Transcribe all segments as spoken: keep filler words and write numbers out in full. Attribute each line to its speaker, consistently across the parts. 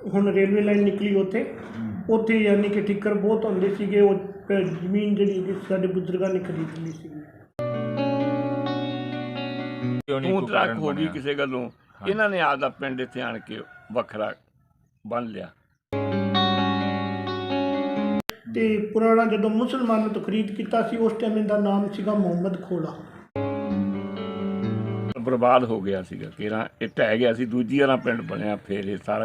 Speaker 1: ਹੁਣ railway line ਨਿਕਲੀ ਉੱਥੇ ਉੱਥੇ ਯਾਨੀ ਕਿ ਠਿੱਕਰ ਬਹੁਤ ਹੁੰਦੇ ਸੀਗੇ। ਉਹ ਜ਼ਮੀਨ ਜਿਹੜੀ ਕਿ ਸਾਡੇ ਬਜ਼ੁਰਗਾਂ ਨੇ ਖਰੀਦ ਲਈ ਸੀ।
Speaker 2: ਤੂੰ ਤਰਾਕ ਹੋ ਗਈ ਕਿਸੇ ਗੱਲੋਂ, ਇਹਨਾਂ ਨੇ ਆਪਦਾ ਪਿੰਡ ਇੱਥੇ ਆਣ ਕੇ ਵੱਖਰਾ ਬਣ ਲਿਆ।
Speaker 1: ਤੇ ਪੁਰਾਣਾ ਜਦੋਂ ਮੁਸਲਮਾਨਾਂ ਤੋਂ ਖਰੀਦ ਕੀਤਾ ਸੀ ਉਸ ਟਾਈਮ ਇਹਦਾ ਨਾਮ ਸੀਗਾ ਮੁਹੰਮਦ ਖੋਲਾ।
Speaker 2: ਬਰਬਾਦ ਹੋ ਗਿਆ ਸੀਗਾ, ਕੇਰਾਂ ਇਹ ਢਹਿ ਗਿਆ ਸੀ, ਦੂਜੀ ਵਾਲਾ ਪਿੰਡ ਬਣਿਆ। ਫਿਰ ਇਹ ਸਾਰਾ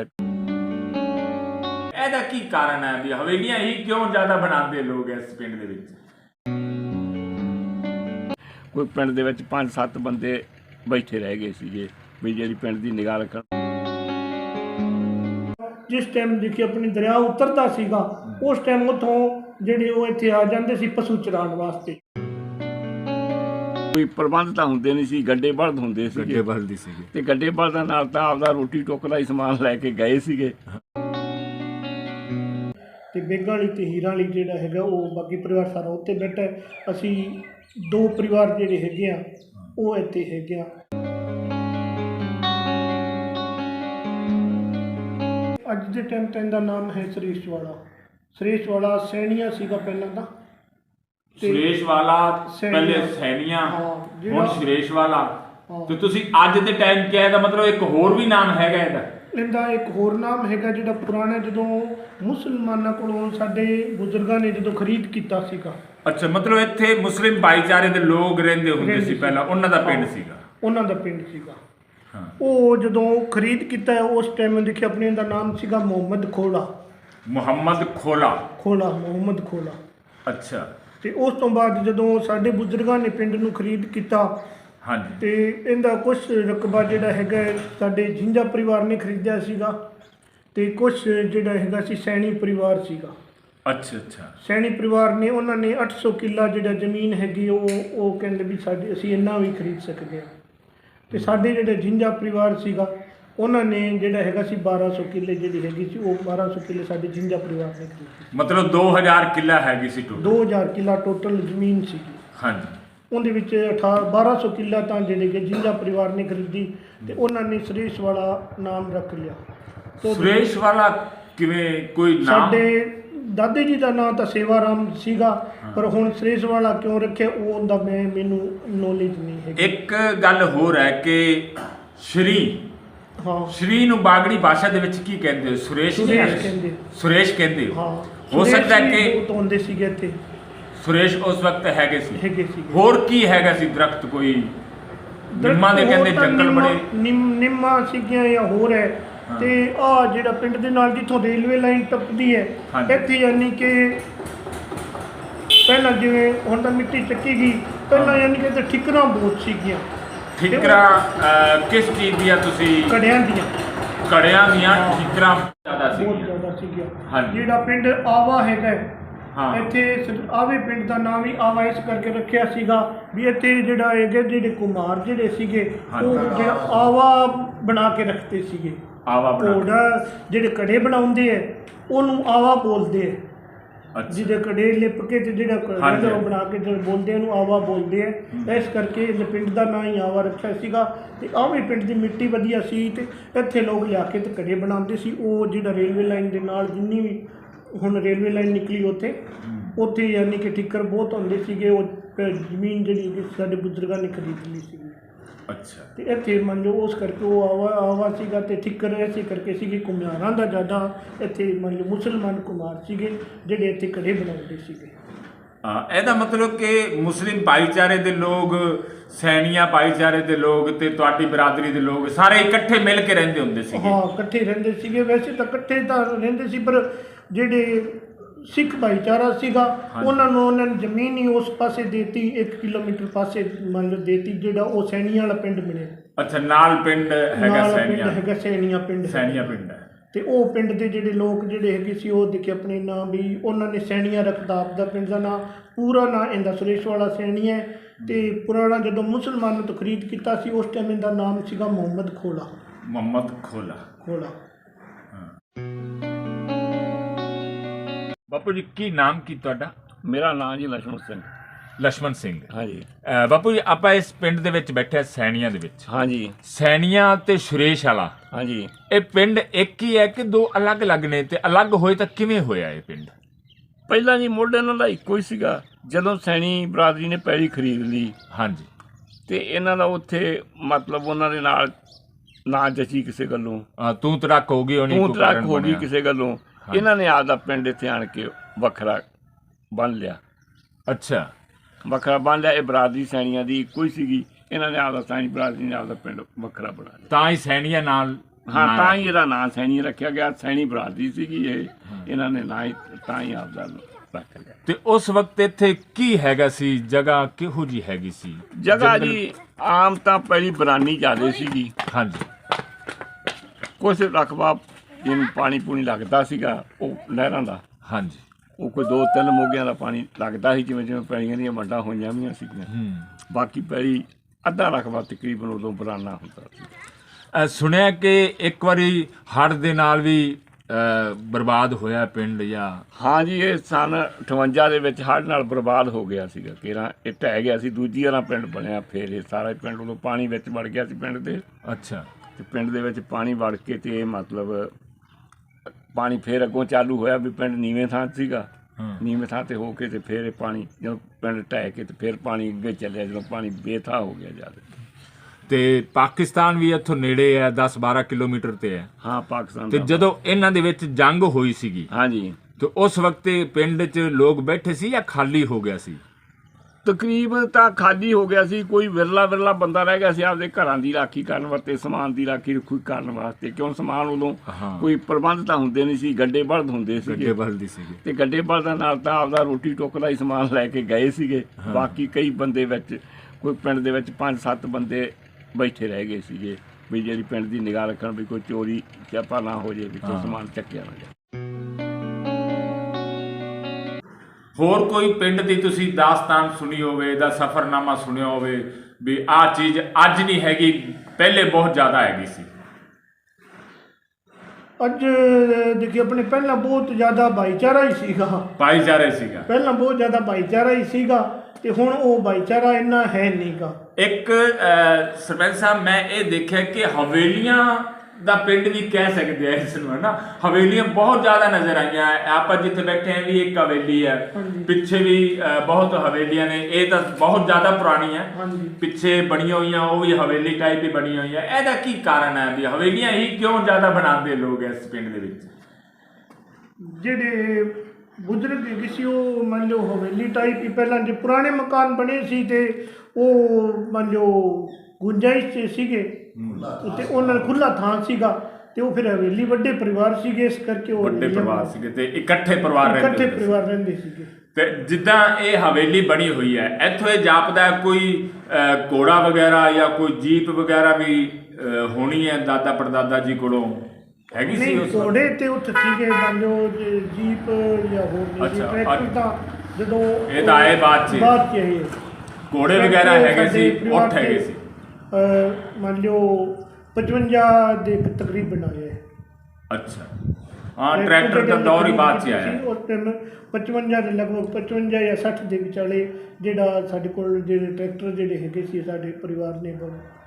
Speaker 3: ਇਹਦਾ ਕੀ ਕਾਰਨ ਹੈ ਵੀ ਹਵੇਲੀਆਂ ਹੀ ਕਿਉਂ ਜ਼ਿਆਦਾ ਬਣਾਉਂਦੇ ਲੋਕ ਇਸ ਪਿੰਡ ਦੇ ਵਿੱਚ?
Speaker 2: ਕੋਈ ਪਿੰਡ ਦੇ ਵਿੱਚ ਪੰਜ ਸੱਤ ਬੰਦੇ ਬੈਠੇ ਰਹਿ ਗਏ ਸੀਗੇ ਵੀ ਜਿਹੜੀ ਪਿੰਡ ਦੀ ਨਿਗਾਹ ਰੱਖਣ।
Speaker 1: ਜਿਸ ਟਾਈਮ ਦੇਖੀ ਆਪਣੀ ਦਰਿਆ ਉਤਰਦਾ ਸੀਗਾ ਉਸ ਟਾਈਮ ਉੱਥੋਂ ਜਿਹੜੇ ਉਹ ਇੱਥੇ ਆ ਜਾਂਦੇ ਸੀ ਪਸ਼ੂ ਚਰਾਉਣ ਵਾਸਤੇ।
Speaker 2: ਕੋਈ ਪ੍ਰਬੰਧ ਤਾਂ ਹੁੰਦੇ ਨਹੀਂ ਸੀ, ਗੱਡੇ ਬਲਦ ਹੁੰਦੇ ਸੀ,
Speaker 4: ਗੱਡੇ ਬਲਦੀ ਸੀਗੇ
Speaker 2: ਤੇ ਗੱਡੇ ਬਲਦਾਂ ਨਾਲ ਤਾਂ ਆਪਦਾ ਰੋਟੀ ਟੁੱਕ ਦਾ ਹੀ ਸਮਾਨ ਲੈ ਕੇ ਗਏ ਸੀਗੇ।
Speaker 1: ਤੇ ਬੇਗਾਂ ਵਾਲੀ ਤੇ ਹੀਰਾਂ ਵਾਲੀ ਜਿਹੜਾ ਹੈਗਾ ਉਹ ਬਾਕੀ ਪਰਿਵਾਰ ਸਾਰਾ ਉੱਥੇ ਬੈਠਾ। ਅਸੀਂ ਦੋ ਪਰਿਵਾਰ ਜਿਹੜੇ ਹੈਗੇ ਆ ਉਹ ਇੱਥੇ ਹੈਗੇ ਆ। ਅੱਜ ਦੇ ਟਾਈਮ ਤੇ ਇਹਦਾ ਨਾਮ ਹੈ ਸੁਰੇਸ਼ ਵਾਲਾ। ਸੁਰੇਸ਼ ਵਾਲਾ ਸੈਣੀਆਂ ਸੀਗਾ ਪਹਿਲਾਂ ਤਾਂ।
Speaker 3: ਸੁਰੇਸ਼ ਵਾਲਾ ਪਹਿਲੇ ਸੈਣੀਆਂ, ਹੁਣ ਸੁਰੇਸ਼ ਵਾਲਾ। ਤੇ ਤੁਸੀਂ ਅੱਜ ਦੇ ਟਾਈਮ ਕਿਹਾ ਇਹਦਾ ਮਤਲਬ ਇੱਕ ਹੋਰ ਵੀ ਨਾਮ ਹੈਗਾ ਇਹਦਾ?
Speaker 1: ਇਹਦਾ ਇੱਕ ਹੋਰ ਨਾਮ ਹੈਗਾ ਜਿਹੜਾ ਪੁਰਾਣਾ ਜਦੋਂ ਮੁਸਲਮਾਨਾਂ ਕੋਲੋਂ ਸਾਡੇ ਬਜ਼ੁਰਗਾਂ ਨੇ ਜਦੋਂ ਖਰੀਦ ਕੀਤਾ ਸੀਗਾ।
Speaker 3: ਅੱਛਾ, ਮਤਲਬ ਇੱਥੇ ਮੁਸਲਿਮ ਭਾਈਚਾਰੇ ਦੇ ਲੋਕ ਰਹਿੰਦੇ ਹੁੰਦੇ ਸੀ ਪਹਿਲਾਂ, ਉਹਨਾਂ ਦਾ ਪਿੰਡ ਸੀਗਾ?
Speaker 1: ਉਹਨਾਂ ਦਾ ਪਿੰਡ ਸੀਗਾ। ਉਹ ਜਦੋਂ ਖਰੀਦ ਕੀਤਾ ਉਸ ਟਾਈਮ ਦੇਖਿਆ ਆਪਣੇ ਦਾ ਨਾਮ ਸੀਗਾ ਮੁਹੰਮਦ ਖੋਲਾ।
Speaker 3: ਮੁਹੰਮਦ ਖੋਲਾ
Speaker 1: ਖੋਲਾ ਮੁਹੰਮਦ ਖੋਲਾ।
Speaker 3: ਅੱਛਾ।
Speaker 1: ਤੇ ਉਸ ਤੋਂ ਬਾਅਦ ਜਦੋਂ ਸਾਡੇ ਬਜ਼ੁਰਗਾਂ ਨੇ ਪਿੰਡ ਨੂੰ ਖਰੀਦ ਕੀਤਾ,
Speaker 3: ਹਾਂਜੀ,
Speaker 1: ਤੇ ਇਹਦਾ ਕੁਝ ਰਕਬਾ ਜਿਹੜਾ ਹੈਗਾ ਸਾਡੇ ਜਿੰਜਾ ਪਰਿਵਾਰ ਨੇ ਖਰੀਦਿਆ ਸੀਗਾ ਤੇ ਕੁਝ ਜਿਹੜਾ ਹੈਗਾ ਸੀ ਸੈਣੀ ਪਰਿਵਾਰ ਸੀਗਾ।
Speaker 3: ਅੱਛਾ ਅੱਛਾ।
Speaker 1: ਸੈਣੀ ਪਰਿਵਾਰ ਨੇ ਉਹਨਾਂ ਨੇ ਅੱਠ ਸੌ ਕਿੱਲਾ ਜਿਹੜਾ ਜ਼ਮੀਨ ਹੈਗੀ ਉਹ ਉਹ ਕਹਿੰਦੇ ਵੀ ਸਾਡੇ ਅਸੀਂ ਇੰਨਾ ਵੀ ਖਰੀਦ ਸਕਦੇ ਹਾਂ। ਤੇ ਸਾਡੇ ਜਿਹੜੇ ਜਿੰਜਾ ਪਰਿਵਾਰ ਸੀਗਾ ਉਹਨਾਂ ਨੇ ਜਿਹੜਾ ਹੈਗਾ ਸੀ ਬਾਰਾਂ ਸੌ ਕਿੱਲੇ ਜਿਹੜੀ ਹੈਗੀ ਸੀ ਉਹ ਬਾਰਾਂ ਸੌ ਕਿੱਲੇ ਸਾਡੇ ਜਿੰਜਾ ਪਰਿਵਾਰ ਨੇ ਖਰੀਦੀ।
Speaker 3: ਮਤਲਬ ਦੋ ਹਜ਼ਾਰ ਕਿੱਲਾ ਹੈਗੀ ਸੀ ਟੋਟਲ?
Speaker 1: ਦੋ ਹਜ਼ਾਰ ਕਿੱਲਾ ਟੋਟਲ ਜ਼ਮੀਨ ਸੀਗੀ।
Speaker 3: ਹਾਂਜੀ।
Speaker 1: ਉਹਦੇ ਵਿੱਚ ਅਠਾਰਾਂ ਬਾਰਾਂ ਸੌ ਕਿੱਲਾ ਤਾਂ ਜਿਹੜੇ ਕਿ ਜਿੰਜਾ ਪਰਿਵਾਰ ਨੇ ਖਰੀਦੀ ਤੇ ਉਹਨਾਂ ਨੇ ਸੁਰੇਸ਼ ਵਾਲਾ ਨਾਮ ਰੱਖ ਲਿਆ।
Speaker 3: ਸੁਰੇਸ਼ ਵਾਲਾ ਕਿਵੇਂ? ਕੋਈ ਨਾਮ?
Speaker 1: ਸਾਡੇ ਦਾਦੇ ਜੀ ਦਾ ਨਾਮ ਤਾਂ ਸੇਵਾ ਰਾਮ ਸੀਗਾ, ਪਰ ਹੁਣ ਸੁਰੇਸ਼ ਵਾਲਾ ਕਿਉਂ ਰੱਖਿਆ ਉਹ ਉਹਦਾ ਮੈਂ ਮੈਨੂੰ ਨੌਲੇਜ ਨਹੀਂ ਹੈ।
Speaker 3: ਇੱਕ ਗੱਲ ਹੋਰ ਹੈ ਕਿ ਸ਼੍ਰੀ,
Speaker 1: ਹਾਂ,
Speaker 3: ਸ਼੍ਰੀ ਨੂੰ ਬਾਗੜੀ ਭਾਸ਼ਾ ਦੇ ਵਿੱਚ ਕੀ ਕਹਿੰਦੇ ਹੋ? ਸੁਰੇਸ਼
Speaker 1: ਕਹਿੰਦੇ।
Speaker 3: ਸੁਰੇਸ਼ ਕਹਿੰਦੇ ਹੋ?
Speaker 1: ਹਾਂ।
Speaker 3: ਹੋ ਸਕਦਾ ਕਿ
Speaker 1: ਬਹੁਤ ਹੁੰਦੇ ਸੀਗੇ ਇੱਥੇ।
Speaker 3: ਸੁਰੇਸ਼ ਉਸ ਵਕਤ ਹੈਗੇ ਸੀ?
Speaker 1: ਹੈਗੇ ਸੀ।
Speaker 3: ਹੋਰ ਕੀ ਹੈਗਾ ਸੀ ਦਰਖਤ? ਕੋਈ ਨਿੰਮਾਂ ਦੇ ਕਹਿੰਦੇ ਜੰਗਲ ਬੜੇ?
Speaker 1: ਨਿੰਮਾਂ ਸੀਗੀਆਂ ਜਾਂ ਹੋਰ ਹੈ। ਤੇ ਆ ਜਿਹੜਾ ਪਿੰਡ ਦੇ ਨਾਲ ਜਿੱਥੋਂ ਰੇਲਵੇ ਲਾਈਨ ਟੱਪਦੀ ਹੈ ਇੱਥੇ ਯਾਨੀ ਕਿ ਪਹਿਲਾਂ ਜਿਵੇਂ ਹੁਣ ਤਾਂ ਮਿੱਟੀ ਚੱਕੀ ਗਈ, ਪਹਿਲਾਂ ਯਾਨੀ ਕਿ ਇੱਥੇ ਠਿੱਕਰਾਂ ਬਹੁਤ ਸੀਗੀਆਂ।
Speaker 3: ਠਿੱਕਰਾਂ ਕਿਸ ਚੀਜ਼ ਦੀਆਂ? ਤੁਸੀਂ
Speaker 1: ਕੜਿਆਂ ਦੀਆਂ।
Speaker 3: ਕੜਿਆਂ ਦੀਆਂ ਠਿੱਕਰਾਂ ਜ਼ਿਆਦਾ ਸੀ?
Speaker 1: ਬਹੁਤ ਜ਼ਿਆਦਾ ਸੀਗੀਆਂ।
Speaker 3: ਹਾਂਜੀ।
Speaker 1: ਜਿਹੜਾ ਪਿੰਡ ਆਵਾ ਹੈਗਾ
Speaker 3: ਹਾਂ,
Speaker 1: ਇੱਥੇ ਆਵੇ ਪਿੰਡ ਦਾ ਨਾਮ ਵੀ ਆਵਾ ਇਸ ਕਰਕੇ ਰੱਖਿਆ ਸੀਗਾ ਵੀ ਇੱਥੇ ਜਿਹੜਾ ਹੈਗੇ ਜਿਹੜੇ ਕੁਮਾਰ ਜਿਹੜੇ ਸੀਗੇ ਉਹ ਜਿਹੜਾ ਆਵਾ ਬਣਾ ਕੇ ਰੱਖਦੇ ਸੀਗੇ।
Speaker 3: ਆਵਾ
Speaker 1: ਘੋੜਾ ਜਿਹੜੇ ਕੜੇ ਬਣਾਉਂਦੇ ਹੈ ਉਹਨੂੰ ਆਵਾ ਬੋਲਦੇ ਹੈ। ਜਿਹਦੇ ਕੜੇ ਲਿਪ ਕੇ ਤੇ ਜਿਹੜਾ ਕੜਾ ਬਣਾ ਕੇ ਜਿਹੜੇ ਬੋਲਦੇ ਉਹਨੂੰ ਆਵਾ ਬੋਲਦੇ ਹੈ। ਇਸ ਕਰਕੇ ਪਿੰਡ ਦਾ ਨਾਂ ਹੀ ਆਵਾ ਰੱਖਿਆ ਸੀਗਾ। ਤੇ ਆਵੇ ਪਿੰਡ ਦੀ ਮਿੱਟੀ ਵਧੀਆ ਸੀ ਤੇ ਇੱਥੇ ਲੋਕ ਲਿਆ ਕੇ ਤੇ ਕੜੇ ਬਣਾਉਂਦੇ ਸੀ। ਉਹ ਜਿਹੜਾ ਰੇਲਵੇ ਲਾਈਨ ਦੇ ਨਾਲ ਜਿੰਨੀ ਵੀ ਹੁਣ ਰੇਲਵੇ ਲਾਈਨ ਨਿਕਲੀ ਉੱਥੇ ਉੱਥੇ ਯਾਨੀ ਕਿ ਠਿੱਕਰ ਬਹੁਤ ਹੁੰਦੇ ਸੀਗੇ। ਉਹ ਜ਼ਮੀਨ ਜਿਹੜੀ ਸਾਡੇ ਬਜ਼ੁਰਗਾਂ ਨੇ ਖਰੀਦ ਲਈ ਸੀਗੀ।
Speaker 3: ਅੱਛਾ।
Speaker 1: ਤੇ ਇੱਥੇ ਮੰਨ ਲਓ ਉਸ ਕਰਕੇ ਉਹ ਆਵਾ ਆਵਾ ਸੀਗਾ ਤੇ ਠਿੱਕਰ ਐਸੇ ਕਰਕੇ ਸੀਗੇ ਕੁਮਾਰਾਂ ਦਾ ਜ਼ਿਆਦਾ ਇੱਥੇ ਮੰਨ ਲਓ ਮੁਸਲਮਾਨ ਕੁਮਾਰ ਸੀਗੇ ਜਿਹੜੇ ਇੱਥੇ ਕੜੇ ਬਣਾਉਂਦੇ ਸੀਗੇ।
Speaker 3: ਹਾਂ, ਇਹਦਾ ਮਤਲਬ ਕਿ ਮੁਸਲਿਮ ਭਾਈਚਾਰੇ ਦੇ ਲੋਕ, ਸੈਣੀਆਂ ਭਾਈਚਾਰੇ ਦੇ ਲੋਕ ਤੇ ਤੁਹਾਡੀ ਬਰਾਦਰੀ ਦੇ ਲੋਕ ਸਾਰੇ ਇਕੱਠੇ ਮਿਲ ਕੇ ਰਹਿੰਦੇ ਹੁੰਦੇ ਸੀਗੇ?
Speaker 1: ਹਾਂ, ਇਕੱਠੇ ਰਹਿੰਦੇ ਸੀਗੇ। ਵੈਸੇ ਤਾਂ ਇਕੱਠੇ ਤਾਂ ਰਹਿੰਦੇ ਸੀ ਪਰ ਜਿਹੜੇ ਸਿੱਖ ਭਾਈਚਾਰਾ ਸੀਗਾ ਉਹਨਾਂ ਨੂੰ ਉਹਨਾਂ ਨੇ ਜ਼ਮੀਨ ਹੀ ਉਸ ਪਾਸੇ ਦੇਤੀ, ਇੱਕ ਕਿਲੋਮੀਟਰ ਪਾਸੇ ਮੰਨ ਲਓ ਦੇਤੀ, ਜਿਹੜਾ ਉਹ ਸੈਣੀਆਂ ਵਾਲਾ ਪਿੰਡ ਬਣਿਆ।
Speaker 3: ਅੱਛਾ, ਨਾਲ ਪਿੰਡ ਹੈਗਾ ਸੈਣੀਆਂ?
Speaker 1: ਹੈਗਾ ਸੈਣੀਆਂ ਪਿੰਡ।
Speaker 3: ਸੈਣੀਆਂ ਪਿੰਡ ਹੈ।
Speaker 1: ਤੇ ਉਹ ਪਿੰਡ ਦੇ ਜਿਹੜੇ ਲੋਕ ਜਿਹੜੇ ਹੈਗੇ ਸੀ ਉਹ ਦੇਖੇ ਆਪਣੇ ਨਾਂ ਵੀ ਉਹਨਾਂ ਨੇ ਸੈਣੀਆਂ ਰੱਖਦਾ ਆਪਦਾ ਪਿੰਡ ਦਾ ਨਾਂ। ਪੂਰਾ ਨਾਂ ਇਹਦਾ ਸੁਰੇਸ਼ ਵਾਲਾ ਸੈਣੀਆਂ ਹੈ। ਤੇ ਪੁਰਾਣਾ ਜਦੋਂ ਮੁਸਲਮਾਨਾਂ ਤੋਂ ਖਰੀਦ ਕੀਤਾ ਸੀ ਉਸ ਟਾਈਮ ਇਹਦਾ ਨਾਮ ਸੀਗਾ ਮੁਹੰਮਦ ਖੋਲਾ।
Speaker 3: ਮੁਹੰਮਦ ਖੋਲਾ
Speaker 1: ਖੋਲਾ।
Speaker 3: ਬਾਪੂ ਜੀ ਕੀ ਨਾਮ ਕੀ ਤੁਹਾਡਾ?
Speaker 2: ਮੇਰਾ ਨਾਂ ਜੀ ਲਛਮਣ ਸਿੰਘ।
Speaker 3: ਲక్ష్మణ ਸਿੰਘ।
Speaker 2: ਹਾਂਜੀ
Speaker 3: ਅਹ ਬਾਪੂ ਜੀ ਆਪਾਂ ਇਸ ਪਿੰਡ ਦੇ ਵਿੱਚ ਬੈਠੇ ਹਾਂ, ਸੈਣੀਆਂ ਦੇ ਵਿੱਚ।
Speaker 2: ਹਾਂਜੀ
Speaker 3: ਸੈਣੀਆਂ ਤੇ ਸੁਰੇਸ਼ ਵਾਲਾ
Speaker 2: ਹਾਂਜੀ
Speaker 3: ਇਹ ਪਿੰਡ ਇੱਕ ਹੀ ਹੈ ਕਿ ਦੋ ਅਲੱਗ-ਅਲੱਗ ਨੇ, ਤੇ ਅਲੱਗ ਹੋਏ ਤਾਂ ਕਿਵੇਂ ਹੋਇਆ ਇਹ ਪਿੰਡ?
Speaker 2: ਪਹਿਲਾਂ ਜੀ ਮੁੱਢ ਇਹਨਾਂ ਦਾ ਇੱਕੋ ਹੀ ਸੀਗਾ। ਜਦੋਂ ਸੈਣੀ ਬਰਾਦਰੀ ਨੇ ਪੈਲੀ ਖਰੀਦ ਲਈ
Speaker 3: ਹਾਂਜੀ।
Speaker 2: ਤੇ ਇਹਨਾਂ ਦਾ ਉੱਥੇ ਮਤਲਬ ਉਹਨਾਂ ਦੇ ਨਾਲ ਨਾ ਜਚੀ ਕਿਸੇ ਗੱਲੋਂ,
Speaker 3: ਅਹ ਤੂੰ ਤੜਕ ਹੋ ਗਈ ਹੋਣੀ,
Speaker 2: ਤੂੰ
Speaker 3: ਕੋਈ
Speaker 2: ਤੜਕ
Speaker 3: ਕਾਰਨ
Speaker 2: ਹੋ ਗਈ
Speaker 3: ਬਣਿਆ।
Speaker 2: ਕਿਸੇ ਗੱਲੋਂ। ਇਹਨਾਂ ਨੇ ਆਪਦਾ ਪਿੰਡ ਇੱਥੇ ਆਣ ਕੇ ਵੱਖਰਾ ਬੰਨ ਲਿਆ।
Speaker 3: ਅੱਛਾ,
Speaker 2: ਵੱਖਰਾ ਬੰਨ ਲਿਆ। ਇਹ ਬਰਾਦਰੀ ਸੈਣੀਆਂ ਦੀ ਇੱਕੋ ਹੀ ਸੀਗੀ। ਇਹਨਾਂ ਨੇ ਆਪਦਾ ਸੈਣੀ ਬਰਾਦਰੀ ਨੇ ਆਪਦਾ ਪਿੰਡ ਵੱਖਰਾ ਬਣਾ ਲਿਆ।
Speaker 3: ਤਾਂ ਹੀ ਸੈਣੀਆਂ ਨਾਲ
Speaker 2: ਹਾਂ,
Speaker 3: ਨਾਂ
Speaker 2: ਤਾਂ ਹੀ ਇਹਦਾ ਨਾਂ ਸੈਣੀ ਰੱਖਿਆ ਗਿਆ। ਸੈਣੀ ਬਰਾਦਰੀ ਸੀਗੀ ਇਹ, ਇਹਨਾਂ ਨੇ ਨਾ ਹੀ ਤਾਂ ਹੀ ਆਪਦਾ ਰੱਖ ਲਿਆ।
Speaker 3: ਤੇ ਉਸ ਵਕਤ ਇੱਥੇ ਕੀ ਹੈਗਾ ਸੀ? ਜਗ੍ਹਾ ਕਿਹੋ ਜੀ ਹੈਗੀ ਸੀ?
Speaker 2: ਜਗ੍ਹਾ ਜੀ ਆਮ ਤਾਂ ਪਹਿਲੀ ਬਰਾਨੀ ਜ਼ਿਆਦਾ ਸੀਗੀ।
Speaker 3: ਹਾਂਜੀ।
Speaker 2: ਕੁਛ ਰਕਬਾ ਜਿਵੇਂ ਪਾਣੀ ਪੂਣੀ ਲੱਗਦਾ ਸੀਗਾ ਉਹ ਨਹਿਰਾਂ ਦਾ,
Speaker 3: ਹਾਂਜੀ।
Speaker 2: ਉਹ ਕੋਈ ਦੋ ਤਿੰਨ ਮੋਗਿਆਂ ਦਾ ਪਾਣੀ ਲੱਗਦਾ ਸੀ, ਜਿਵੇਂ ਜਿਵੇਂ ਪੈਲੀਆਂ ਦੀਆਂ ਵੰਡਾਂ ਹੋਈਆਂ ਵੀਆਂ ਸੀਗੀਆਂ।
Speaker 3: ਹੂੰ।
Speaker 2: ਬਾਕੀ ਪੈਲੀ ਅੱਧਾ ਰਕਬਾ ਤਕਰੀਬਨ ਉਦੋਂ ਬਰਾਨਾ ਹੁੰਦਾ ਸੀ।
Speaker 3: ਅਹ ਸੁਣਿਆ ਕਿ ਇੱਕ ਵਾਰੀ ਹੜ੍ਹ ਦੇ ਨਾਲ ਵੀ ਅਹ ਬਰਬਾਦ ਹੋਇਆ ਪਿੰਡ, ਜਾਂ?
Speaker 2: ਹਾਂ ਜੀ, ਇਹ ਸਨ ਅਠਵੰਜਾ ਦੇ ਵਿੱਚ ਹੜ੍ਹ ਨਾਲ ਬਰਬਾਦ ਹੋ ਗਿਆ ਸੀਗਾ। ਕੇਰਾਂ ਇਹ ਢਹਿ ਗਿਆ ਸੀ, ਦੂਜੀ ਵਾਲਾ ਪਿੰਡ ਬਣਿਆ। ਫਿਰ ਇਹ ਸਾਰਾ ਹੀ ਪਿੰਡ ਉਦੋਂ ਪਾਣੀ ਵਿੱਚ ਵੜ ਗਿਆ ਸੀ ਪਿੰਡ ਦੇ।
Speaker 3: ਅੱਛਾ।
Speaker 2: ਤੇ ਪਿੰਡ ਦੇ ਵਿੱਚ ਪਾਣੀ ਵੜ ਕੇ ਤੇ ਇਹ ਮਤਲਬ ਪਾਣੀ ਫਿਰ ਅੱਗੋਂ ਚਾਲੂ ਹੋਇਆ ਵੀ ਪਿੰਡ ਨੀਵੇਂ ਥਾਂ 'ਤੇ ਸੀਗਾ। ਨੀਵੇਂ ਥਾਂ 'ਤੇ ਹੋ ਕੇ ਤੇ ਫਿਰ ਇਹ ਪਾਣੀ ਜਦੋਂ ਪਿੰਡ ਢਹਿ ਕੇ ਤੇ ਫਿਰ ਪਾਣੀ ਅੱਗੇ ਚੱਲਿਆ, ਜਦੋਂ ਪਾਣੀ ਬੇਥਾਂ ਹੋ ਗਿਆ ਜ਼ਿਆਦਾ।
Speaker 3: ਤੇ ਪਾਕਿਸਤਾਨ ਵੀ ਇੱਥੋਂ ਨੇੜੇ ਹੈ, ਦਸ ਬਾਰਾਂ ਕਿਲੋਮੀਟਰ ਤੇ ਹੈ।
Speaker 2: ਹਾਂ, ਪਾਕਿਸਤਾਨ
Speaker 3: ਤੇ
Speaker 2: ਦਾ।
Speaker 3: ਜਦੋਂ ਇਹਨਾਂ ਦੇ ਵਿੱਚ ਜੰਗ ਹੋਈ ਸੀਗੀ,
Speaker 2: ਹਾਂਜੀ,
Speaker 3: ਤੇ ਉਸ ਵਕਤ ਇਹ ਪਿੰਡ 'ਚ ਲੋਕ ਬੈਠੇ ਸੀ ਜਾਂ ਖਾਲੀ ਹੋ ਗਿਆ ਸੀ?
Speaker 2: ਤਕਰੀਬਨ ਤਾਂ ਖਾਲੀ ਹੋ ਗਿਆ ਸੀ। ਕੋਈ ਵਿਰਲਾ ਵਿਰਲਾ ਬੰਦਾ ਰਹਿ ਗਿਆ ਸੀ ਆਪਦੇ ਘਰਾਂ ਦੀ ਰਾਖੀ ਕਰਨ ਵਾਸਤੇ, ਸਮਾਨ ਦੀ ਰਾਖੀ ਰਖੂ ਕਰਨ ਵਾਸਤੇ। ਕਿਉਂ ਸਮਾਨ ਉਦੋਂ
Speaker 3: ਹਾਂ।
Speaker 2: ਕੋਈ ਪ੍ਰਬੰਧ ਤਾਂ ਹੁੰਦੇ ਨਹੀਂ ਸੀ, ਗੱਡੇ ਬਲਦ ਹੁੰਦੇ
Speaker 3: ਗੱਡੇ
Speaker 2: ਸੀਗੇ।
Speaker 3: ਬਲਦੀ ਸੀਗੇ।
Speaker 2: ਤੇ ਗੱਡੇ ਬਲਦਾਂ ਨਾਲ ਤਾਂ ਆਪਦਾ ਰੋਟੀ ਟੁੱਕ ਦਾ ਹੀ ਸਮਾਨ ਲੈ ਕੇ ਗਏ ਸੀਗੇ। ਬਾਕੀ ਕਈ ਬੰਦੇ ਵਿੱਚ ਕੋਈ ਪਿੰਡ ਦੇ ਵਿੱਚ ਪੰਜ ਸੱਤ ਬੰਦੇ ਬੈਠੇ ਰਹਿ ਗਏ ਸੀਗੇ ਵੀ ਜਿਹੜੀ ਪਿੰਡ ਦੀ ਨਿਗਾਹ ਰੱਖਣ ਵੀ ਕੋਈ ਚੋਰੀ ਸਿਆਪਾ ਨਾ ਹੋ ਜੇ, ਵਿੱਚੋਂ ਸਮਾਨ ਚੱਕਿਆ ਨਾ ਜਾਏ।
Speaker 3: ਹੋਰ ਕੋਈ ਪਿੰਡ ਦੀ ਤੁਸੀਂ ਦਾਸਤਾਨ ਸੁਣੀ ਹੋਵੇ, ਦਾ ਸਫ਼ਰਨਾਮਾ ਸੁਣਿਆ ਹੋਵੇ ਵੀ ਆਹ ਚੀਜ਼ ਅੱਜ ਨਹੀਂ ਹੈਗੀ, ਪਹਿਲੇ ਬਹੁਤ ਜ਼ਿਆਦਾ ਹੈਗੀ ਸੀ?
Speaker 1: ਅੱਜ ਦੇਖੀ ਆਪਣੇ ਪਹਿਲਾਂ ਬਹੁਤ ਜ਼ਿਆਦਾ ਭਾਈਚਾਰਾ ਹੀ ਸੀਗਾ।
Speaker 3: ਭਾਈਚਾਰੇ ਸੀਗਾ।
Speaker 1: ਪਹਿਲਾਂ ਬਹੁਤ ਜ਼ਿਆਦਾ ਭਾਈਚਾਰਾ ਹੀ ਸੀਗਾ ਤੇ ਹੁਣ ਉਹ ਭਾਈਚਾਰਾ ਇੰਨਾ ਹੈ ਨਹੀਂਗਾ।
Speaker 3: ਇੱਕ ਅਹ, ਸਰਪੰਚ ਸਾਹਿਬ, ਮੈਂ ਇਹ ਦੇਖਿਆ ਕਿ ਹਵੇਲੀਆਂ ਦਾ ਪਿੰਡ ਵੀ ਕਹਿ ਸਕਦੇ ਆ ਇਸ ਨੂੰ, ਹੈ ਨਾ? ਹਵੇਲੀਆਂ ਬਹੁਤ ਜ਼ਿਆਦਾ ਨਜ਼ਰ ਆਈਆਂ। ਆਪਾਂ ਜਿੱਥੇ ਬੈਠੇ ਹਾਂ ਵੀ ਇੱਕ ਹਵੇਲੀ ਹੈ, ਪਿੱਛੇ ਵੀ ਅਹ, ਬਹੁਤ ਹਵੇਲੀਆਂ ਨੇ। ਇਹ ਤਾਂ ਬਹੁਤ ਜ਼ਿਆਦਾ ਪੁਰਾਣੀ ਹੈ, ਪਿੱਛੇ ਬਣੀਆਂ ਹੋਈਆਂ ਉਹ ਵੀ ਹਵੇਲੀ ਟਾਈਪ ਹੀ ਬਣੀਆਂ ਹੋਈਆਂ। ਇਹਦਾ ਕੀ ਕਾਰਨ ਹੈ ਵੀ ਹਵੇਲੀਆਂ ਹੀ ਕਿਉਂ ਜ਼ਿਆਦਾ ਬਣਾਉਂਦੇ ਲੋਕ ਇਸ ਪਿੰਡ ਦੇ ਵਿੱਚ?
Speaker 1: ਜਿਹੜੇ ਬਜ਼ੁਰਗ ਹੈਗੇ ਸੀ ਉਹ ਮੰਨ ਲਓ ਹਵੇਲੀ ਟਾਈਪ ਹੀ ਪਹਿਲਾਂ ਜੇ ਪੁਰਾਣੇ ਮਕਾਨ ਬਣੇ ਸੀ ਤੇ ਉਹ ਮੰਨ ਲਓ ਗੁੰਜਾਇਸ਼ 'ਚ ਸੀਗੇ ਤੇ ਉਹਨਾਂ ਦਾ ਖੁੱਲਾ ਥਾਂ ਸੀਗਾ ਤੇ ਉਹ ਫਿਰ ਹਵੇਲੀ ਵੱਡੇ ਪਰਿਵਾਰ ਸੀਗੇ, ਇਸ ਕਰਕੇ ਉਹ
Speaker 3: ਵੱਡੇ ਪਰਿਵਾਰ ਸੀਗੇ ਤੇ ਇਕੱਠੇ ਪਰਿਵਾਰ ਰਹਿੰਦੇ
Speaker 1: ਇਕੱਠੇ ਪਰਿਵਾਰ ਰਹਿੰਦੇ ਸੀਗੇ।
Speaker 3: ਤੇ ਜਿੱਦਾਂ ਇਹ ਹਵੇਲੀ ਬਣੀ ਹੋਈ ਹੈ, ਇੱਥੋਂ ਇਹ ਜਾਪਦਾ ਕੋਈ ਘੋੜਾ ਵਗੈਰਾ ਜਾਂ ਕੋਈ ਜੀਪ ਵਗੈਰਾ ਵੀ ਹੋਣੀ ਹੈ ਦਾਦਾ ਪੜਦਾਦਾ ਜੀ ਕੋਲੋਂ, ਹੈਗੀ ਸੀ?
Speaker 1: ਨਹੀਂ, ਘੋੜੇ ਤੇ ਉੱਥੇ ਸੀਗੇ ਮੰਨ ਲਓ ਜੀਪ ਜਾਂ ਹੋਰ ਨਹੀਂ ਸੀ। ਟਰੈਕਟਰ ਤਾਂ ਜਦੋਂ
Speaker 3: ਇਹ ਤਾਂ ਆਏ ਬਾਅਦ 'ਚ
Speaker 1: ਬਾਅਦ 'ਚ ਇਹ
Speaker 3: ਘੋੜੇ ਵਗੈਰਾ ਹੈਗੇ ਸੀ, ਊਠ ਹੈਗੇ ਸੀ।
Speaker 1: ਮੰਨ ਲਓ ਪਚਵੰਜਾ ਦੇ ਤਕਰੀਬਨ ਆਏ।
Speaker 3: ਅੱਛਾ, ਹਾਂ, ਟਰੈਕਟਰ ਦਾ ਦੌਰ ਹੀ ਬਾਅਦ 'ਚ ਆਇਆ।
Speaker 1: ਉਸ ਟਾਈਮ ਪਚਵੰਜਾ ਦੇ ਲਗਭਗ ਪਚਵੰਜਾ ਜਾਂ ਸੱਠ ਦੇ ਵਿਚਾਲੇ ਜਿਹੜਾ ਸਾਡੇ ਕੋਲ ਜਿਹੜੇ ਟਰੈਕਟਰ ਜਿਹੜੇ ਹੈਗੇ ਸੀ ਸਾਡੇ ਪਰਿਵਾਰ ਨੇ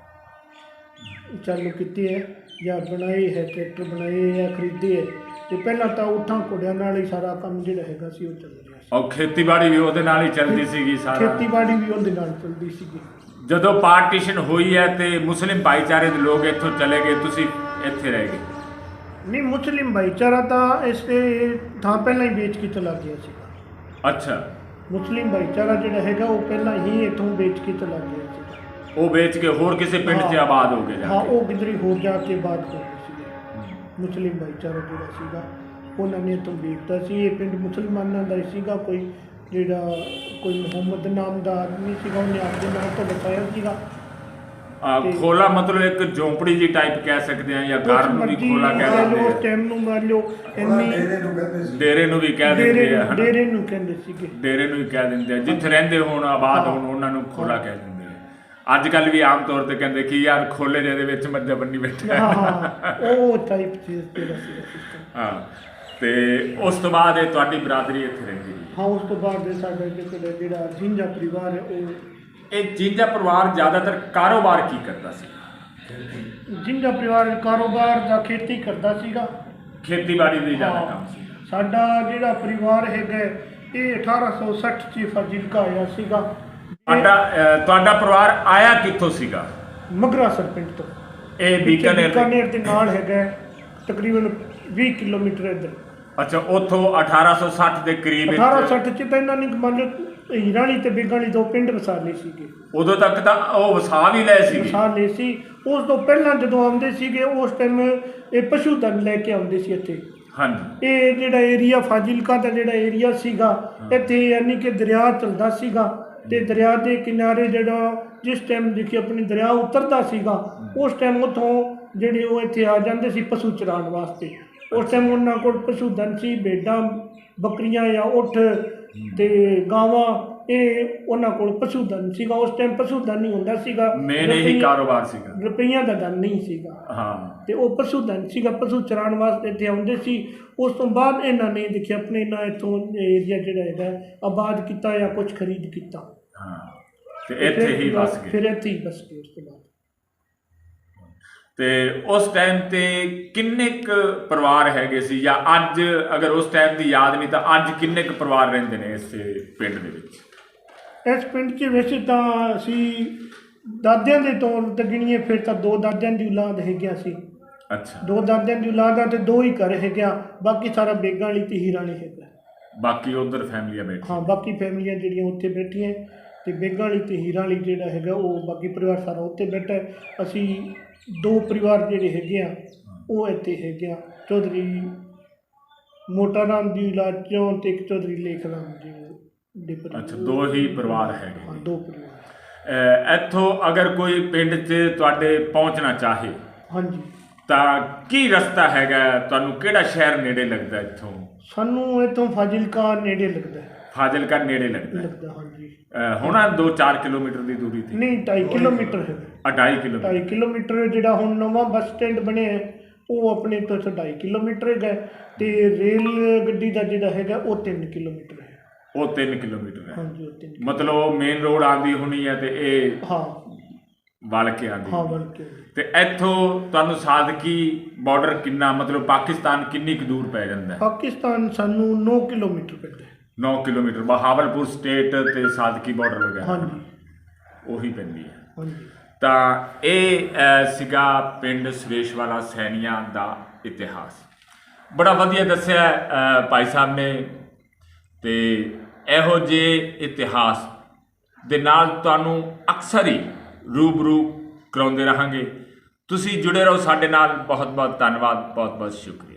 Speaker 1: ਚਾਲੂ ਕੀਤੇ ਹੈ ਜਾਂ ਬਣਾਏ ਹੈ, ਟਰੈਕਟਰ ਬਣਾਏ ਜਾਂ ਖਰੀਦੇ ਹੈ। ਤੇ ਪਹਿਲਾਂ ਤਾਂ ਊਠਾਂ ਘੋੜਿਆਂ ਨਾਲ ਹੀ ਸਾਰਾ ਕੰਮ ਜਿਹੜਾ ਹੈਗਾ ਸੀ ਉਹ ਚੱਲ ਰਿਹਾ ਸੀ।
Speaker 3: ਔਰ ਖੇਤੀਬਾੜੀ ਵੀ ਉਹਦੇ ਨਾਲ ਹੀ ਚੱਲਦੀ ਸੀਗੀ ਸਾਰਾ।
Speaker 1: ਖੇਤੀਬਾੜੀ ਵੀ ਉਹਦੇ ਨਾਲ ਚੱਲਦੀ ਸੀਗੀ।
Speaker 3: ਜਦੋਂ ਪਾਰਟੀਸ਼ਨ ਹੋਈ ਹੈ ਤੇ ਮੁਸਲਿਮ ਭਾਈਚਾਰੇ ਦੇ ਲੋਕ ਇੱਥੋਂ ਚਲੇ ਗਏ, ਤੁਸੀਂ ਇੱਥੇ ਰਹਿ ਗਏ?
Speaker 1: ਨਹੀਂ, ਮੁਸਲਿਮ ਭਾਈਚਾਰਾ ਤਾਂ ਇਸ ਥਾਂ ਪਹਿਲਾਂ ਹੀ ਵੇਚ ਕੇ ਚਲਾ ਗਿਆ ਸੀਗਾ।
Speaker 3: ਅੱਛਾ,
Speaker 1: ਮੁਸਲਿਮ ਭਾਈਚਾਰਾ ਜਿਹੜਾ ਹੈਗਾ ਉਹ ਪਹਿਲਾਂ ਹੀ ਇੱਥੋਂ ਵੇਚ ਕੇ ਚਲਾ ਗਿਆ ਸੀਗਾ।
Speaker 3: ਉਹ ਵੇਚ ਕੇ ਹੋਰ ਕਿਸੇ ਪਿੰਡ 'ਚ ਆਬਾਦ ਹੋ ਗਏ?
Speaker 1: ਹਾਂ, ਉਹ ਕਿਧਰੇ ਹੋਰ ਜਾ ਕੇ ਆਬਾਦ ਹੋ ਗਏ ਸੀਗੇ। ਮੁਸਲਿਮ ਭਾਈਚਾਰਾ ਜਿਹੜਾ ਸੀਗਾ ਉਹਨਾਂ ਨੇ ਇੱਥੋਂ ਵੇਚਤਾ ਸੀ। ਇਹ ਪਿੰਡ ਮੁਸਲਮਾਨਾਂ ਦਾ ਹੀ ਸੀਗਾ। ਕੋਈ ਜਿਹੜਾ ਕੋਈ ਮੁਹੰਮਦ ਨਾਮ ਦਾ ਆਦਮੀ ਸੀਗਾ, ਉਹਨੇ ਆਪਣੇ ਨਾਮ ਤੋਂ ਵਸਾਇਆ ਸੀਗਾ।
Speaker 3: ਖੋਲਾ ਮਤਲਬ ਇੱਕ ਝੌਂਪੜੀ ਜੀ ਟਾਈਪ ਕਹਿ ਸਕਦੇ ਆ, ਜਾਂ ਘਰ ਨੂੰ ਵੀ ਖੋਲਾ ਕਹਿ ਦਿੰਦੇ ਆ।
Speaker 1: ਉਸ ਟਾਈਮ ਨੂੰ ਮੰਨ ਲਓ ਇੰਨੀ
Speaker 3: ਡੇਰੇ ਨੂੰ ਵੀ ਕਹਿ ਦਿੰਦੇ ਆ,
Speaker 1: ਡੇਰੇ ਨੂੰ ਕਹਿੰਦੇ ਸੀਗੇ।
Speaker 3: ਡੇਰੇ ਨੂੰ ਵੀ ਕਹਿ ਦਿੰਦੇ ਆ, ਜਿੱਥੇ ਰਹਿੰਦੇ ਹੋਣ ਆਬਾਦ ਹੋਣ ਉਹਨਾਂ ਨੂੰ ਖੋਲਾ ਕਹਿ ਦਿੰਦੇ ਆ। ਅੱਜ ਕੱਲ ਵੀ ਆਮ ਤੌਰ ਤੇ ਕਹਿੰਦੇ ਕਿ ਯਾਰ ਖੋਲੇ ਜਿਹਦੇ ਵਿੱਚ ਮੱਝਾਂ ਬੰਨੀ ਬੈਠਾ।
Speaker 1: ਹਾਂ, ਉਹ ਟਾਈਪ ਚੀਜ਼ ਤੇਰਾ ਸੀਗਾ।
Speaker 3: ਹਾਂ, ਤੇ ਉਸ ਤੋਂ ਬਾਅਦ ਇਹ ਤੁਹਾਡੀ ਬਰਾਦਰੀ ਇੱਥੇ ਰਹਿੰਦੀ ਰਹੀ।
Speaker 1: ਹਾਂ ਉਸ ਤੋਂ ਬਾਅਦ ਸਾਡਾ ਜਿਹੜਾ ਜਿਹੜਾ ਜਿੰਜਾ ਪਰਿਵਾਰ ਹੈ ਉਹ
Speaker 3: ਇਹ ਜਿੰਜਾ ਪਰਿਵਾਰ ਜ਼ਿਆਦਾਤਰ ਕਾਰੋਬਾਰ ਕੀ ਕਰਦਾ ਸੀ?
Speaker 1: ਜਿੰਜਾ ਪਰਿਵਾਰ ਕਾਰੋਬਾਰ ਦਾ ਖੇਤੀ ਕਰਦਾ ਸੀਗਾ,
Speaker 3: ਖੇਤੀਬਾੜੀ ਦਾ ਜ਼ਿਆਦਾ
Speaker 1: ਹਾਂ।
Speaker 3: ਕੰਮ ਸੀ।
Speaker 1: ਸਾਡਾ ਜਿਹੜਾ ਪਰਿਵਾਰ ਹੈਗਾ ਇਹ ਅਠਾਰਾਂ ਸੌ ਸੱਠ 'ਚ ਫਾਜ਼ਿਲਕਾ ਆਇਆ ਸੀਗਾ।
Speaker 3: ਤੁਹਾਡਾ ਅਹ, ਤੁਹਾਡਾ ਪਰਿਵਾਰ ਆਇਆ ਕਿੱਥੋਂ ਸੀਗਾ?
Speaker 1: ਮਗਰਾਸਰ ਪਿੰਡ ਤੋਂ।
Speaker 3: ਇਹ ਬੀਕਾਨੇਰ ਦੇ-
Speaker 1: ਬੀਕਾਨੇਰ ਦੇ ਨਾਲ ਹੈਗਾ ਤਕਰੀਬਨ ਵੀਹ ਕਿਲੋਮੀਟਰ ਇੱਧਰ।
Speaker 3: ਅੱਛਾ, ਉੱਥੋਂ ਅਠਾਰਾਂ ਸੌ ਸੱਠ ਦੇ ਕਰੀਬ ਵਿੱਚ-
Speaker 1: ਅਠਾਰਾਂ ਸੌ ਸੱਠ 'ਚ ਤਾਂ ਇਹਨਾਂ ਨੇ ਮੰਨ ਲਓ ਹੀਰਾਣੀ ਤੇ ਬੇਗਾਣੀ ਦੋ ਪਿੰਡ ਵਸਾ ਲਏ ਸੀਗੇ,
Speaker 3: ਉਦੋਂ ਤੱਕ ਤਾਂ ਉਹ ਵਸਾ ਵੀ ਲਏ ਸੀਗੇ।
Speaker 1: ਵਸਾ ਲਏ ਸੀ। ਉਸ ਤੋਂ ਪਹਿਲਾਂ ਜਦੋਂ ਆਉਂਦੇ ਸੀਗੇ ਉਸ ਟਾਈਮ ਇਹ ਪਸ਼ੂ ਧਨ ਲੈ ਕੇ ਆਉਂਦੇ ਸੀ ਇੱਥੇ।
Speaker 3: ਹਾਂਜੀ।
Speaker 1: ਇਹ ਜਿਹੜਾ ਏਰੀਆ ਫਾਜ਼ਿਲਕਾ ਦਾ ਜਿਹੜਾ ਏਰੀਆ ਸੀਗਾ ਇੱਥੇ ਯਾਨੀ ਕਿ ਦਰਿਆ ਚੱਲਦਾ ਸੀਗਾ ਤੇ ਦਰਿਆ ਦੇ ਕਿਨਾਰੇ ਜਿਹੜਾ ਜਿਸ ਟਾਈਮ ਦੇਖੀ ਆਪਣੀ ਦਰਿਆ ਉਤਰਦਾ ਸੀਗਾ ਉਸ ਟਾਈਮ ਉੱਥੋਂ ਜਿਹੜੇ ਉਹ ਇੱਥੇ ਆ ਜਾਂਦੇ ਸੀ ਪਸ਼ੂ ਚਰਾਉਣ ਵਾਸਤੇ। ਉਸ ਟਾਈਮ ਉਹਨਾਂ ਕੋਲ ਪਸ਼ੂ ਧਨ ਸੀ, ਭੇਡਾਂ ਬੱਕਰੀਆਂ ਜਾਂ ਊਠ ਤੇ ਗਾਵਾਂ, ਇਹ ਉਹਨਾਂ ਕੋਲ ਪਸ਼ੂ ਧਨ ਸੀਗਾ। ਉਸ ਟਾਈਮ ਪਸ਼ੂ ਧਨ ਨਹੀਂ ਹੁੰਦਾ ਸੀਗਾ,
Speaker 3: ਮੇਨ ਇਹੀ
Speaker 1: ਰੁਪਈਆ-
Speaker 3: ਕਾਰੋਬਾਰ ਸੀਗਾ।
Speaker 1: ਰੁਪਈਆਂ ਦਾ ਧਨ ਨਹੀਂ ਸੀਗਾ।
Speaker 3: ਹਾਂ।
Speaker 1: ਤੇ ਉਹ ਪਸ਼ੂ ਧਨ ਸੀਗਾ, ਪਸ਼ੂ ਚਰਾਉਣ ਵਾਸਤੇ ਇੱਥੇ ਆਉਂਦੇ ਸੀ। ਉਸ ਤੋਂ ਬਾਅਦ ਇਹਨਾਂ ਨੇ ਦੇਖਿਆ ਆਪਣੇ ਨਾ ਇੱਥੋਂ ਏਰੀਆ ਜਿਹੜਾ ਹੈਗਾ ਆਬਾਦ ਕੀਤਾ ਜਾਂ ਕੁਝ ਖਰੀਦ ਕੀਤਾ।
Speaker 3: ਹਾਂ, ਤੇ ਇੱਥੇ ਹੀ ਬਸ ਗਏ।
Speaker 1: ਫਿਰ ਇੱਥੇ ਹੀ ਬਸ ਗਏ ਉਸ ਤੋਂ ਬਾਅਦ।
Speaker 3: ਤੇ ਉਸ ਟਾਈਮ ਤੇ ਕਿੰਨੇ ਕੁ ਪਰਿਵਾਰ ਹੈਗੇ ਸੀ, ਜਾਂ ਅੱਜ ਅਗਰ ਉਸ ਟਾਈਮ ਦੀ ਯਾਦ ਨਹੀਂ ਤਾਂ ਅੱਜ ਕਿੰਨੇ ਕੁ ਪਰਿਵਾਰ ਰਹਿੰਦੇ ਨੇ ਇਸ ਪਿੰਡ ਦੇ ਵਿੱਚ?
Speaker 1: ਇਸ ਪਿੰਡ 'ਚ ਵੈਸੇ ਤਾਂ ਅਸੀਂ ਦਾਦਿਆਂ ਦੇ ਤੌਰ ਤੇ ਗਿਣੀਏ ਫਿਰ ਤਾਂ ਦੋ ਦਾਦਿਆਂ ਦੀ ਔਲਾਦ ਹੈਗੀਆਂ ਸੀ।
Speaker 3: ਅੱਛਾ।
Speaker 1: ਦੋ ਦਾਦਿਆਂ ਦੀ ਔਲਾਦ ਆ ਤੇ ਦੋ ਹੀ ਘਰ ਹੈਗਿਆ, ਬਾਕੀ ਸਾਰਾ ਬੇਗਾਂ ਵਾਲੀ ਤੇ ਹੀਰਾਣੀ ਹੈਗਾ।
Speaker 3: ਬਾਕੀ ਉਧਰ ਫੈਮਲੀਆਂ ਬੈਠੀ?
Speaker 1: ਹਾਂ, ਬਾਕੀ ਫੈਮਲੀਆਂ ਜਿਹੜੀਆਂ ਉੱਥੇ ਬੈਠੀਆਂ ਤੇ ਬੇਗਾਂ ਵਾਲੀ ਤੇ ਹੀਰਾਂ ਵਾਲੀ ਜਿਹੜਾ ਹੈਗਾ ਉਹ ਬਾਕੀ ਪਰਿਵਾਰ ਸਾਰਾ ਉੱਥੇ ਬੈਠਾ ਹੈ। ਅਸੀਂ ਦੋ ਪਰਿਵਾਰ ਜਿਹੜੇ ਹੈਗੇ ਆ ਉਹ ਇੱਥੇ ਹੈਗੇ ਆ, ਚੌਧਰੀ ਮੋਟਾ ਰਾਮ ਦੀ ਔਲਾਦ ਚੋਂ ਤੇ ਇੱਕ ਚੌਧਰੀ ਲੇਖ ਰਾਮ ਜੀ ਦੇ ਪਰਿਵਾਰ।
Speaker 3: ਅੱਛਾ, ਦੋ ਹੀ ਪਰਿਵਾਰ ਹੈਗੇ।
Speaker 1: ਹਾਂ, ਦੋ ਪਰਿਵਾਰ।
Speaker 3: ਅਹ ਇੱਥੋਂ ਅਗਰ ਕੋਈ ਪਿੰਡ 'ਚ ਤੁਹਾਡੇ ਪਹੁੰਚਣਾ ਚਾਹੇ
Speaker 1: ਹਾਂਜੀ,
Speaker 3: ਤਾਂ ਕੀ ਰਸਤਾ ਹੈਗਾ? ਤੁਹਾਨੂੰ ਕਿਹੜਾ ਸ਼ਹਿਰ ਨੇੜੇ ਲੱਗਦਾ ਇੱਥੋਂ?
Speaker 1: ਸਾਨੂੰ ਇੱਥੋਂ ਫਾਜ਼ਿਲਕਾ ਨੇੜੇ ਲੱਗਦਾ ਹੈ।
Speaker 3: ਫਾਜ਼ਿਲਕਾ ਨੇੜੇ ਲੱਗਦਾ ਹੈ।
Speaker 1: ਲੱਗਦਾ ਹਾਂਜੀ।
Speaker 3: ਅਹ ਹੋਣਾ ਦੋ ਚਾਰ ਕਿਲੋਮੀਟਰ ਦੀ ਦੂਰੀ ਤੇ?
Speaker 1: ਨਹੀਂ, ਢਾਈ ਕਿਲੋਮੀਟਰ ਹੈ।
Speaker 3: ਅਢਾਈ ਕਿਲੋਮੀਟਰ।
Speaker 1: ਢਾਈ ਕਿਲੋਮੀਟਰ ਜਿਹੜਾ ਹੁਣ ਨਵਾਂ ਬੱਸ ਸਟੈਂਡ ਬਣਿਆ ਹੈ ਉਹ ਆਪਣੇ ਤੋਂ ਇੱਥੋਂ ਢਾਈ ਕਿਲੋਮੀਟਰ ਹੈਗਾ ਤੇ ਰੇਲ ਗੱਡੀ ਦਾ ਜਿਹੜਾ ਹੈਗਾ ਉਹ ਤਿੰਨ ਕਿਲੋਮੀਟਰ ਹੈ।
Speaker 3: ਉਹ ਤਿੰਨ ਕਿਲੋਮੀਟਰ ਹੈ।
Speaker 1: ਹਾਂਜੀ, ਉਹ ਤਿੰਨ।
Speaker 3: ਮਤਲਬ ਮੇਨ ਰੋਡ ਆਉਂਦੀ ਹੋਣੀ ਹੈ ਤੇ ਇਹ
Speaker 1: ਹਾਂ
Speaker 3: ਵਲ ਕੇ ਆਉਂਦੀ
Speaker 1: ਹਾਂ
Speaker 3: ਹੋਣੀ।
Speaker 1: ਬਣ ਕੇ।
Speaker 3: ਤੇ ਇੱਥੋਂ ਤੁਹਾਨੂੰ ਸਾਦਕੀ ਬਾਰਡਰ ਕਿੰਨਾ, ਮਤਲਬ ਪਾਕਿਸਤਾਨ ਕਿੰਨੀ ਕੁ ਦੂਰ ਪੈ ਜਾਂਦਾ ਹੈ?
Speaker 1: ਪਾਕਿਸਤਾਨ ਸਾਨੂੰ ਨੌ ਕਿਲੋਮੀਟਰ ਪੈਂਦਾ ਹੈ।
Speaker 3: ਨੌ ਕਿਲੋਮੀਟਰ। ਬਹਾਵਲਪੁਰ ਸਟੇਟ ਤੇ ਸਾਦਕੀ ਬਾਰਡਰ ਵਗੈਰਾ
Speaker 1: ਹਾਂਜੀ
Speaker 3: ਉਹੀ ਪੈਂਦੀ ਹੈ।
Speaker 1: ਹਾਂਜੀ।
Speaker 3: ਤਾਂ ਇਹ ਅਹ, ਸੀਗਾ ਪਿੰਡ ਸੁਰੇਸ਼ਵਾਲਾ ਸੈਣੀਆਂ ਦਾ ਇਤਿਹਾਸ। ਬੜਾ ਵਧੀਆ ਦੱਸਿਆ ਅਹ, ਭਾਈ ਸਾਹਿਬ ਨੇ। ਤੇ ਇਹੋ ਜਿਹੇ ਇਤਿਹਾਸ ਦੇ ਨਾਲ ਤੁਹਾਨੂੰ ਅਕਸਰ ਹੀ ਰੂਬਰੂ ਕਰਾਉਂਦੇ ਰਹਾਂਗੇ। ਤੁਸੀਂ ਜੁੜੇ ਰਹੋ ਸਾਡੇ ਨਾਲ। ਬਹੁਤ ਬਹੁਤ ਧੰਨਵਾਦ, ਬਹੁਤ ਬਹੁਤ ਸ਼ੁਕਰੀਆ।